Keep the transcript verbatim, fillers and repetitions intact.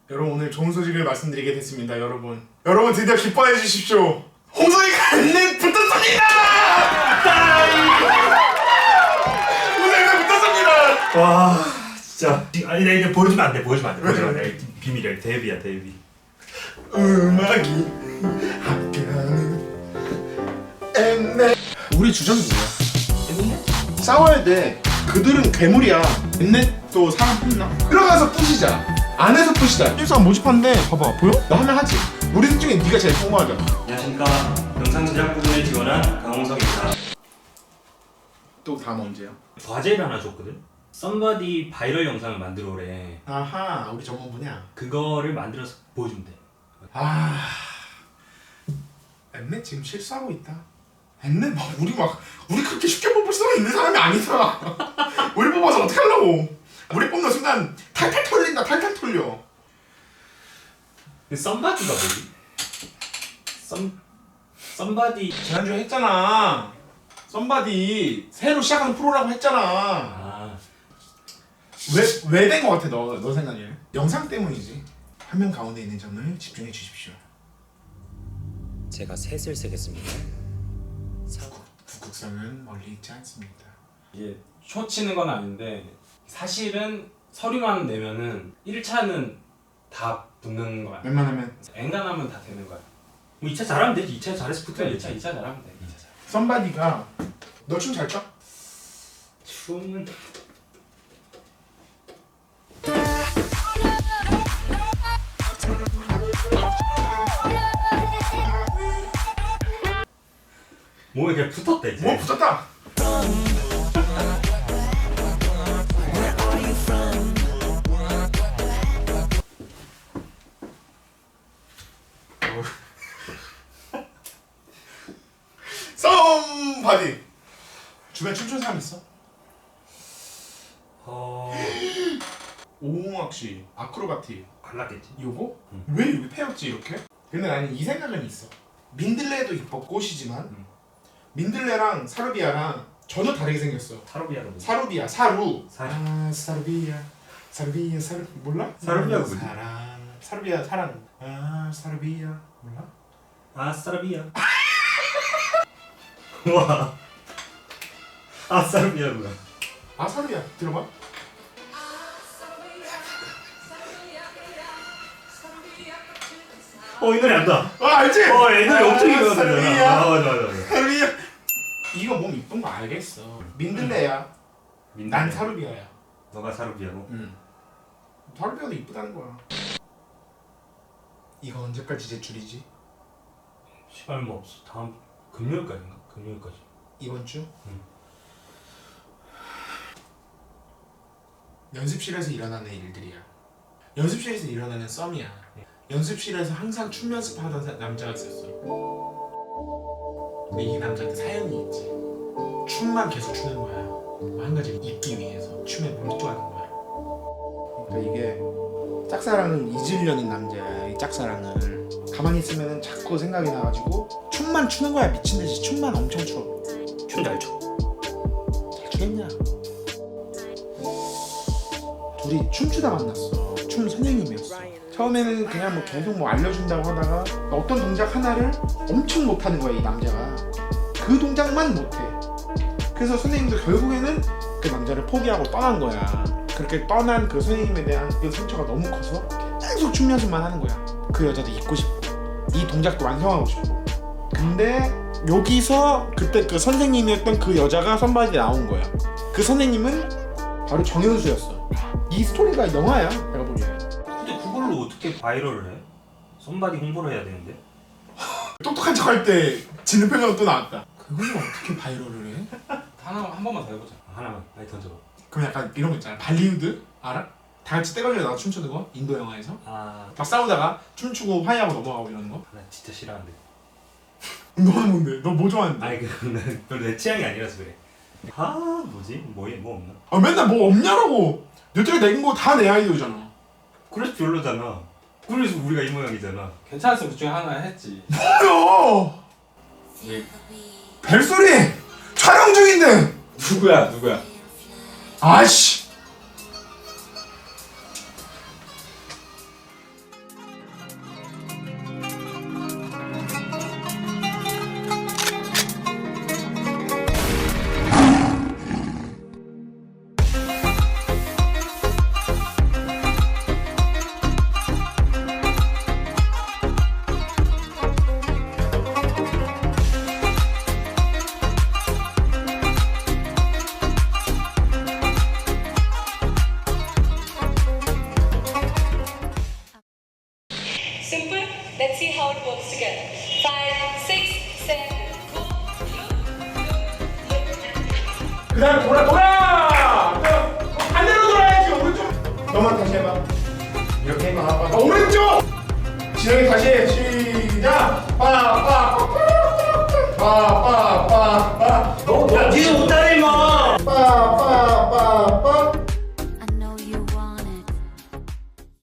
여러분 오늘 좋은 소식을 말씀드리게 됐습니다. 여러분 여러분 드디어 기뻐해 주십시오. 홍석이가 엠넷 붙었습니다. 홍석이가 붙었습니다. 와 진짜 아니 나 이제 보여주면 안돼 보여주면 안돼 보여주면 안돼 비밀이야 데뷔야 데뷔. 음악이 함께하는 엠넷. 우리 주장이 뭐야? 엠넷? 싸워야 돼. 그들은 괴물이야. 엠넷도 사람 뽑나? 들어가서 부시자. 안에서 부시자. 일상 모집하는데 봐봐 보여? 나 하면 하지. 우리 셋 중에 네가 제일 뽕하자. 안녕하십니까 영상 제작 부분에 지원한 강홍석입니다. 또 다음 언제야? 과제를 하나 줬거든. 썸바디 바이럴 영상을 만들어 오래. 아하 우리 전문 분야. 그거를 만들어서 보여주면 돼. 아 엠넷 지금 실수하고 있다. 엠넷 막 우리 막 우리 그렇게 쉽게 뽑을 수 있는 사람이 아니다. 우리 뽑아서 어떻게 하려고? 우리 뽑는 순간 탈탈 털린다. 탈탈 털려. 근데 썸바디가 뭐지? 썸 썸바디 지난주에 했잖아. 썸바디 새로 시작하는 프로라고 했잖아. 아 왜 왜 된 거 같아 너 너 생각에? 영상 때문이지. 화면 가운데 있는 점을 집중해 주십시오. 제가 셋을 쓰겠습니다. 북극, 북극성은 멀리 있지 않습니다. 이게 쇼 치는 건 아닌데 사실은 서류만 내면은 일 차는 다 붙는 거야. 웬만하면 엔간하면 다 되는 거야. 뭐 이 차 잘하면 되지. 이 차 잘해서 그래 붙어야 이 차 되지. 이 차 잘하면 돼. 이 차 잘. 썸바디가 너 춤 잘 춰? 춤은 몸에 그냥 붙었다 이제. 뭐 붙었다. 썸바디 주변 춤추는 사람 있어? 어 오홍학 씨 아크로바티 갈랐겠지. 요거? 응. 왜 여기 패였지 이렇게? 근데 나는 이 생각은 있어. 민들레도 이뻐 꽃이지만 응. 민들레랑 사루비아랑 전혀 다르게 생겼어. 사루비아가 뭐지? 사루비아 사루. 사루. 아 사루비아 사루비아 사루 몰라? 사루비아가 뭐지? 사랑 사루비아 사랑. 아 사루비아 몰라? 아 사루비아. 와. 아 사루비아 뭐야? 아 사루비아 들어봐. 어 이 노래 안다. 아 알지? 어 이 노래 엄청 유명하잖아. 사루비아 아 맞아 맞아 맞아. 사루비아. 이거 몸 이쁜 거 알겠어. 민들레야. 난 사루비아야. 너가 사루비아고. 응. 사루비아도 이쁘다는 거야. 이거 언제까지 제출이지? 시간 뭐 없어. 다음 금요일까지인가? 금요일까지. 이번 주? 응. 연습실에서 일어나는 일들이야. 연습실에서 일어나는 썸이야. 연습실에서 항상 춤 연습하던 사- 남자가 있었어. 근데 이 남자한테 사연이 있지. 춤만 계속 추는 거야. 한 가지를 잊기 위해서 춤에 몰두하는 거야. 그러니까 이게 짝사랑을 잊으려는 남자야. 이 짝사랑을 가만히 있으면 자꾸 생각이 나가지고 춤만 추는 거야. 미친 듯이 춤만 엄청 춰. 춤 잘 춰. 잘 추겠냐? 둘이 춤추다 만났어. 춤 선생님이었어. 처음에는 그냥 뭐 계속 뭐 알려준다고 하다가 어떤 동작 하나를 엄청 못하는 거야 이 남자가. 그 동작만 못해. 그래서 선생님도 결국에는 그 남자를 포기하고 떠난 거야. 그렇게 떠난 그 선생님에 대한 그 상처가 너무 커서 계속 춤 연습만 하는 거야. 그 여자도 잊고 싶고 이 동작도 완성하고 싶고. 근데 여기서 그때 그 선생님이었던 그 여자가 선발이 나온 거야. 그 선생님은 바로 정현수였어. 이 스토리가 영화야 내가 보기엔. 근데 그걸로 어떻게 바이럴을 해? 썸바디 홍보를 해야 되는데. 똑똑한 척 할 때 지는 표정 또 나왔다. 그걸 어떻게 바이럴을 해? 하나 한 번만 더 해보자. 아, 하나만 많이 던져봐. 그럼 약간 이런 거 있잖아. 발리우드 알아? 다 같이 떼거리로 나가 춤추는 거? 인도 영화에서? 아, 막 싸우다가 춤추고 화해하고 넘어가고 이러는 거? 나 진짜 싫어하는데. 너는 뭔데? 너 뭐 좋아하는데? 아니 그건 별로 내 취향이 아니라서 그래. 아 뭐지? 뭐에 뭐 없나? 아 맨날 뭐 없냐라고. 여태까지 내긴 거 다 내 아이디어잖아. 그래서 별로잖아. 그래서 우리가 이 모양이잖아. 괜찮았으면 그 중에 하나 했지. 뭐야? 예. 벨소리! 촬영 중인데! 누구야 누구야? 아씨! how it works together. Five, six, seven, go. 그 다음에 돌아 돌아! 반대로 돌아야지. 오른쪽. 너만 다시 해봐. 이렇게 해봐. 아, 오른쪽! 진영이 다시 해. 시작! 빠빠 빠빠빠빠. 너 뒤에 못하네 임마. 빠빠빠빠